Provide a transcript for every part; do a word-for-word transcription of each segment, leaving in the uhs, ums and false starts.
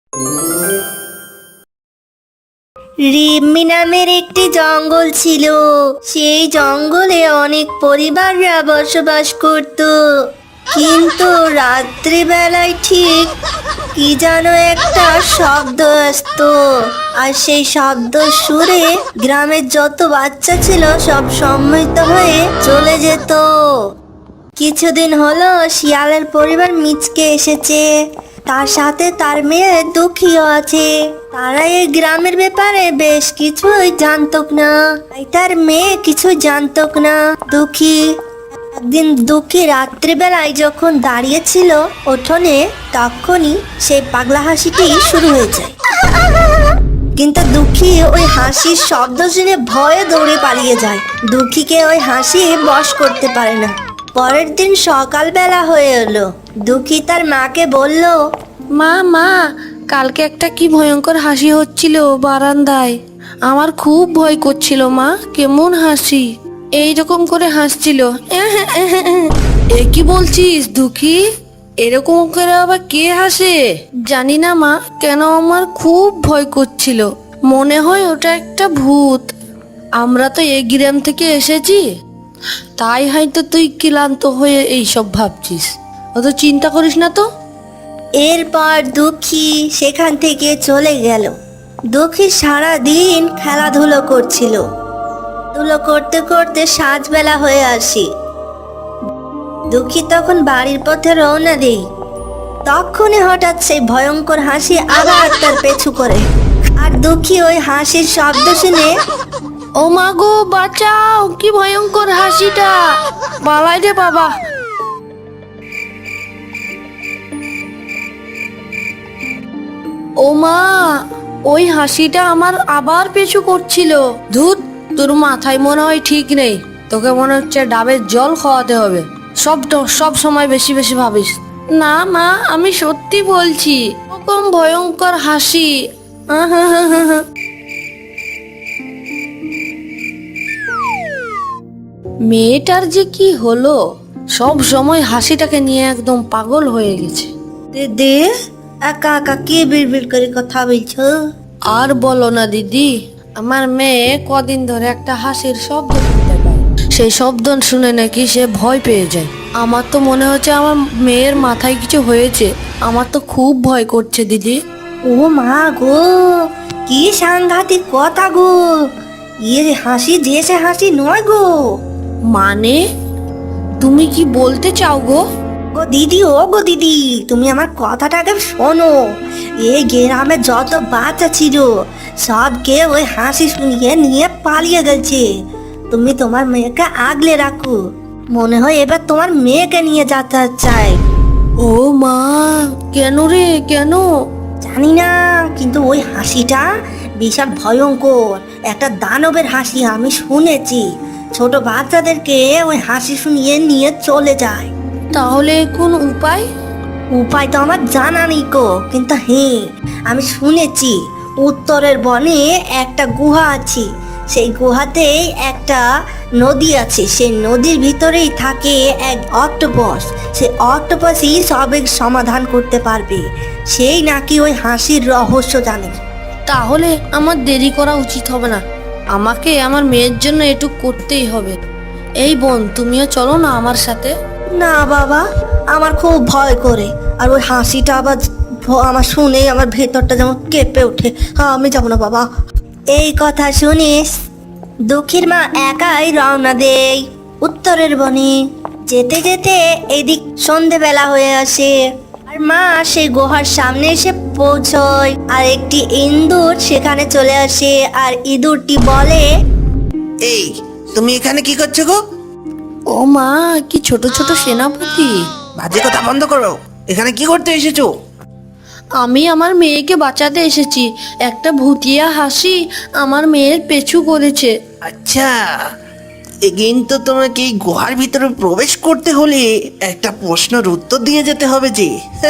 রিম্মি নামের একটি জঙ্গল ছিল। সেই জঙ্গলে অনেক পরিবাররা বসবাস করত, কিন্তু রাত্রিবেলায় ঠিক কি যেন একটা শব্দ আসতো, আর সেই শব্দ সুরে গ্রামের যত বাচ্চা ছিল সব সম্মিলিত হয়ে চলে যেত। কিছুদিন হলো শিয়ালের পরিবার মিচকে এসেছে, তার সাথে তার মেয়ে দুঃখীও আছে। তারা এই গ্রামের ব্যাপারে বেশ কিছুই জানতো না, তাই তার মেয়ে কিছু জানতো না। দুঃখী একদিন দুঃখী রাত্রিবেলায় যখন দাঁড়িয়েছিল উঠোনে, তখনই সেই পাগলা হাসিটি শুরু হয়ে যায়। কিন্তু দুঃখী ওই হাসির শব্দ শুনে ভয়ে দৌড়ে পালিয়ে যায়। দুঃখীকে ওই হাসি বশ করতে পারে না। পরের দিন সকালবেলা হয়ে এলো। দুঃখী তার মাকে বলল, মা মা কালকে একটা কি ভয়ঙ্কর হাসি হচ্ছিল বারান্দায়, আমার খুব ভয় করছিল মা। কেমন হাসি, এইরকম করে হাসছিল। এ কি বলছিস দুঃখী? এরকম করে আবার কে হাসে? জানি না মা, কেন আমার খুব ভয় করছিল। মনে হয় ওটা একটা ভূত। আমরা তো এই গ্রাম থেকে এসেছি, তাই হয়তো তুই ক্লান্ত হয়ে এইসব ভাবছিস। অত চিন্তা করিস না তো। এরপর দুঃখী সেখান থেকে চলে গেল। দুঃখী সারা দিন খেলাধুলো করছিল। ধুলো করতে করতে সাঁঝবেলা হয়ে আসি। দুঃখী তখন বাড়ির পথে রওনা দেই। তখনই হঠাৎ সেই ভয়ঙ্কর হাসি আবার তার পেছু করে, আর দুঃখী ওই হাসির শব্দ শুনে, ও মা গো বাঁচাও, কি ভয়ঙ্কর হাসিটা, পালাই রে বাবা। ও মা, ওই হাসিটা আমার আবার পিছু করছিল। ধুত, তোর মাথায় মনে হয় ঠিক নেই। তোকে মনে হচ্ছে ডাবের জল খাওয়াতে হবে। সব সব সময় বেশি বেশি ভাবিস। না মা, আমি সত্যি বলছি, এরকম ভয়ঙ্কর হাসি। মেয়েটার যে কি হলো, সব সময় হাসিটাকে নিয়ে একদম পাগল হয়ে গেছে। দিদি একা একা কে বিড়বিড় করে কথা বলছো? আর বলো না দিদি, আমার মেয়ে কদিন ধরে একটা হাসির শব্দ শুনতে পায়। সেই শব্দ শুনে নাকি সে ভয় পেয়ে যায়। আমার তো মনে হচ্ছে আমার মেয়ের মাথায় কিছু হয়েছে। আমার তো খুব ভয় করছে দিদি। ও মা গো, কি সাংঘাতিক কথা গো! এর হাসি যে সে হাসি নয় গো। মানে তুমি কি বলতে চাও গো? গো দিদি, ও গো দিদি, তুমি আমার কথাটাকে শোনো। এই গ্রামে যত বাচ্চা ছিল সবকে ওই হাসি শুনিয়ে নিয়ে পালিয়ে গেছে। তুমি তোমার মেয়েকে আগলে রাখো, মনে হয় এবার তোমার মেয়েকে নিয়ে যেতে চাই। ও মা, কেন রে, কেন? জানি না, কিন্তু ওই হাসিটা বিশাল ভয়ঙ্কর, একটা দানবের হাসি আমি শুনেছি। ছোট বাচ্চাদেরকে ওই হাসি শুনিয়ে নিয়ে চলে যায়। তাহলে কোন উপায়? উপায় তো আমার জানা নেই গো, কিন্তু হ্যাঁ আমি শুনেছি উত্তরের বনে একটা গুহা আছে। সেই গুহাতেই একটা নদী আছে, সেই নদীর ভিতরেই থাকে এক অক্টোপাস। সেই অক্টোপাসই সবের সমাধান করতে পারবে। সেই নাকি ওই হাসির রহস্য জানে। তাহলে আমার দেরি করা উচিত হবে না, আমাকে আমার মেয়ের জন্য এটুক করতেই হবে। এই বোন, তুমিও চলো না আমার সাথে। না বাবা, আমার খুব ভয় করে, আর ওই হাসিটা আবার ভ- আমার শুনেই আমার ভেতরটা যেমন কেঁপে ওঠে। হ্যাঁ, আমি যাবো না বাবা। এই কথা শুনিস দুঃখীর মা একাই রওনা দেয় উত্তরের বনে। যেতে যেতে এদিক সন্ধেবেলা হয়ে আসে, আর মা সেই গুহার সামনে এসে পৌঁছয়। আর একটি ইঁদুর সেখানে চলে আসে, আর ইঁদুরটি বলে, এই তুমি এখানে কি করছো গো? ও মা, কি ছোট ছোট সেনাপতি! বাজে কথা বন্ধ করো। এখানে কি করতে এসেছো? আমি আমার মেয়েকে বাঁচাতে এসেছি। একটা ভুতিয়া হাসি আমার মেয়ের পেছু করেছে। আচ্ছা, এ কিন্তু তোমাকে এই গুহার ভিতরে প্রবেশ করতে হলে একটা প্রশ্নের উত্তর দিয়ে যেতে হবে যে।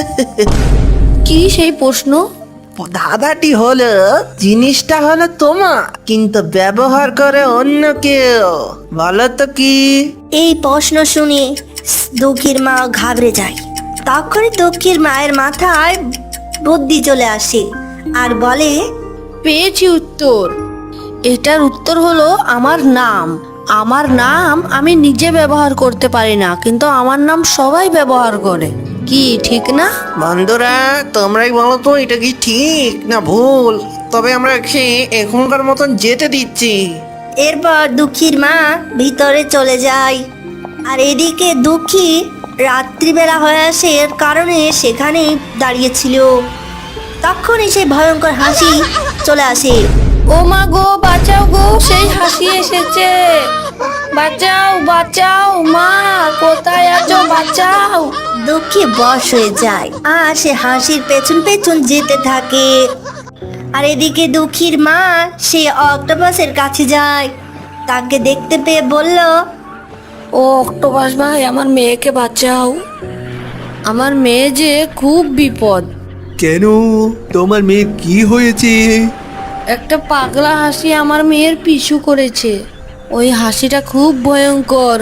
কি সেই প্রশ্ন? ধাঁধাটি হলো, জিনিসটা হলো তোমার, কিন্তু ব্যবহার করে অন্য কেউ। বলো তো কি? এই প্রশ্ন শুনে দুঃখীর মা ঘাবড়ে যায়। তখনই দুঃখীর মায়ের মাথায় বুদ্ধি চলে আসে আর বলে, পেয়েছি উত্তর। এটার উত্তর হলো আমার নাম। আমার নাম আমি নিজে ব্যবহার করতে পারি না, কিন্তু আমার নাম সবাই ব্যবহার করে। কি ঠিক না? বন্ধুরা, তোমরাই বলো তো এটা কি ঠিক না ভুল। তবে আমরা খেয়ে এখনকার মতন যেতে দিচ্ছি। এরপর দুঃখীর মা ভিতরে চলে যায়। আর এদিকে দুঃখী রাত্রিবেলা হয়ে আসে এর কারণে সেখানে দাঁড়িয়েছিল। তখনই সেই ভয়ঙ্কর হাসি চলে আসে। ও মা গো, বাঁচাও গো, সেই হাসি এসেছে। বাঁচাও বাঁচাও, মা কোথায় আছো, বাঁচাও। দুঃখী বশ হয়ে যায় আর সে হাসির পেছন পেছন যেতে থাকে। আর এদিকে দুঃখীর মা সে অক্টোপাসের কাছে যায়। তাকে দেখতে পেয়ে বলল, ও অক্টোপাস ভাই, আমার মেয়েকে বাঁচাও। আমার মেয়ে যে খুব বিপদ। কেন, তোমার মেয়ের কি হয়েছে? একটা পাগলা হাসি আমার মেয়ের পিছু করেছে। ওই হাসিটা খুব ভয়ঙ্কর,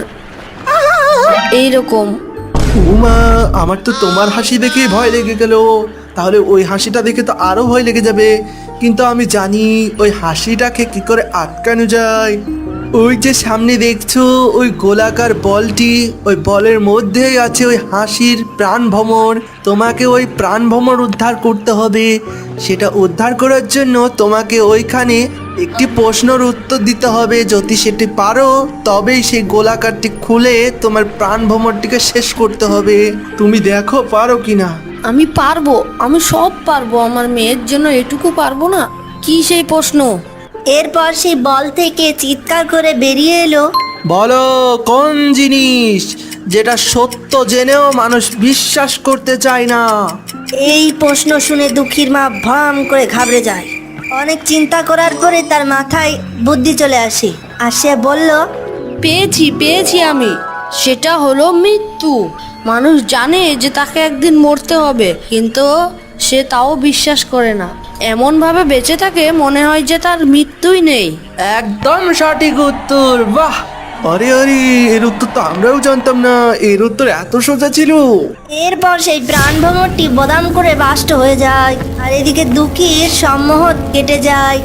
এইরকম। উমা, আমার তো তোমার হাসি দেখে ভয় লেগে গেল। তাহলে ওই হাসিটা দেখে তো আরো ভয় লেগে যাবে। কিন্তু আমি জানি ওই হাসিটাকে কি করে আটকানো যায়। ওই যে সামনে দেখছো ওই গোলাকার বলটি, ওই বলের মধ্যেই আছে ওই হাসির প্রাণ ভ্রমর। তোমাকে ওই প্রাণ ভ্রমর উদ্ধার করতে হবে। সেটা উদ্ধার করার জন্য তোমাকে ওইখানে একটি প্রশ্নের উত্তর দিতে হবে। যদি সেটি পারো তবেই সেই গোলাকারটি খুলে তোমার প্রাণ ভ্রমরটিকে শেষ করতে হবে। তুমি দেখো পারো কিনা। আমি পারবো, আমি সব পারবো। আমার মেয়ের জন্য এটুকু পারবো না? কি সেই প্রশ্ন? এরপর সেই বল থেকে চিৎকার করে বেরিয়ে এলো, বলো কোন জিনিস যেটা সত্য জেনেও মানুষ বিশ্বাস করতে চায় না? এই প্রশ্ন শুনে দুঃখীর মা ভ্রম করে ঘাবড়ে যায়। অনেক চিন্তা করার পরে তার মাথায় বুদ্ধি চলে আসে আর সে বলল, পেয়েছি পেয়েছি আমি। সেটা হলো মৃত্যু। মানুষ জানে যে তাকে একদিন মরতে হবে, কিন্তু সে তাও বিশ্বাস করে না। এমন ভাবে বেঁচে থাকে মনে হয় যে তার মৃত্যুই নেই। একদম সঠিক উত্তর, বাহ! আরে আরে, এর উত্তর তো আমরাও জানতাম না। এর উত্তর এত সোজা ছিল। এরপর সেই প্রাণ ভ্রমরটি বদাম করে বাষ্ট হয়ে যায়। আর এদিকে দুঃখীর সম্মোহন কেটে যায়।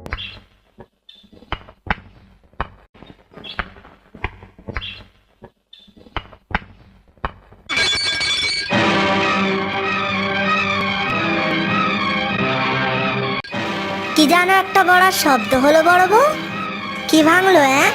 কি জানো একটা বড় শব্দ হলো বড় বউ? কি ভাঙলো? হ্যাঁ,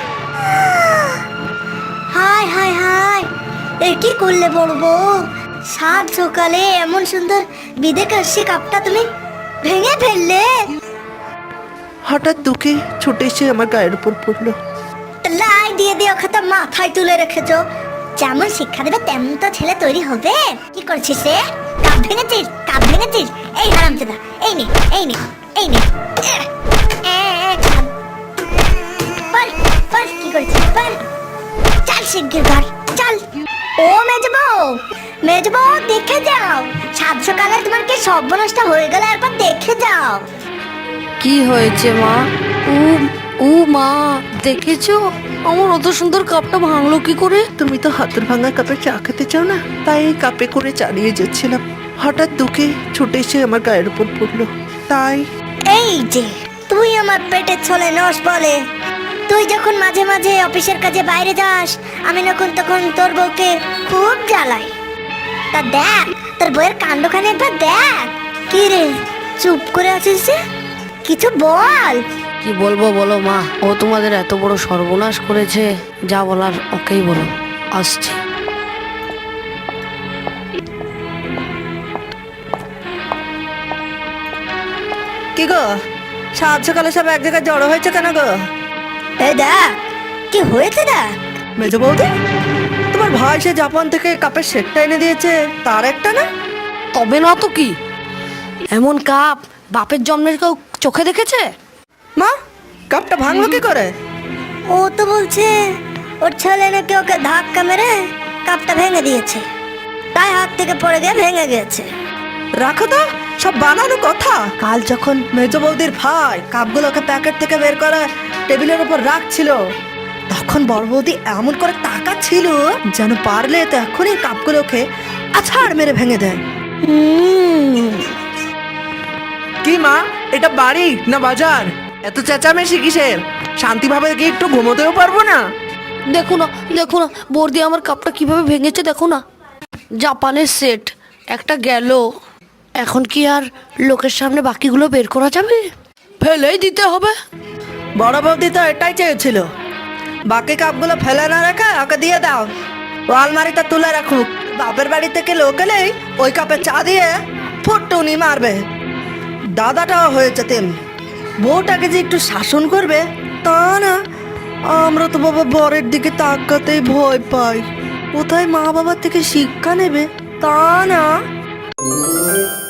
হায় হায় হায়, এ কি করলে বড় বউ? সাত সকালে এমন সুন্দর বিদে কাশি কাপটা তুমি ভেঙে ফেললে। হঠাৎ দুঃখে ছুটে এসে আমার গায়ের উপর পড়লো। লাই দিয়ে দিয়ে ওকে তো মাথায় তুলে রেখেছো। যেমন শিক্ষা দেবে তেমন তো ছেলে তৈরি হবে। কি করছিস রে? কাপ ভেঙেছিস? কাপ ভেঙেছিস? এই হারামজাদা, এই নে এই নে এই নে। এ, এ, কাপ। বল বল কি করছিস বল। চল শিগগির ঘর চল। ও মেজবো মেজবো, দেখে যাও সাত সকালে তোমার কি সর্বনাশটা হয়ে গেল, একবার দেখে যাও। কি হয়েছে মা? ও ও মা, দেখেছো আমার অত সুন্দর কাপটা ভাঙলো কি করে? তুমি তো হাতের ভাঙা কাপে চা খেতে চাও না, তাই এই কাপে করে চালিয়ে যাচ্ছিলাম। হঠাৎ দুঃখে ছুটে এসে আমার গায়ের উপর পড়লো, তাই। এই যে তুই আমার পেটের ছলে নস বলে, তুই যখন মাঝে মাঝে অফিসের কাজে বাইরে যাস, আমি যখন তখন তোর বউকে খুব জ্বালাই। তা দেখ তোর বউয়ের কাণ্ডখানে একবার দেখ। কি রে চুপ করে আছিস যে? কিছু বল। কি বলবো বলো মা, ও তোমাদের এত বড় সর্বনাশ করেছে, যা বলার ওকেই বলো। আসছি। কি গো, সাত সকালে সব এক জায়গায় জড়ো হয়েছে কেন গো? এই দেখ কি হয়েছে দেখ। মেজো বৌদি, তোমার ভাই সে জাপান থেকে কাপের সেটটা এনে দিয়েছে, তার একটা না? তবে না তো কি, এমন কাপ বাপের জন্মের কেউ চোখে দেখেছে? মা, কাপটা ভাঙলো কি করে? ও তো বলছে ওর ছেলে নাকি ওকে ধাক্কা মেরে কাপটা ভেঙে দিয়েছে, তাই হাত থেকে পড়ে গিয়ে ভেঙে গেছে। রাখো তো, সব বানানো কথা। কাল যখন মেজো বৌদির ভাই কাপগুলোকে প্যাকেট থেকে বের করে টেবিলের উপর রাখছিল, তখন বড় বৌদি এমন করে তাকাচ্ছিল যেন পারলে তো এখনই কাপগুলোকে আছাড় মেরে ভেঙে দেয়। হুম, কি মা, এটা বাড়ি না বাজার? এত চেঁচামেচি কিসের? শান্তিভাবে কি একটু ঘুমোতেও পারবো না? দেখো না, দেখো না বর্দি আমার কাপটা কিভাবে ভেঙেছে, দেখো না। জাপানের সেট একটা গেল, এখন কি আর লোকের সামনে বাকিগুলো বের করা যাবে? ফেলেই দিতে হবে। বড় বৌদি তো এটাই চেয়েছিল, বাকি কাপগুলো ফেলে না রেখে ওকে দিয়ে দাও, ও আলমারিতে তুলে রাখুক। বাপের বাড়ি থেকে লোক এলেই ওই কাপে চা দিয়ে ফুটটুনি মারবে। দাদাটাও হয়েছে তেমনি, বউটাকে যে একটু শাসন করবে তা না। আমরা তো বাবা বরের দিকে তাকাতেই ভয় পাই, কোথায় মা বাবার থেকে শিক্ষা নেবে তা না।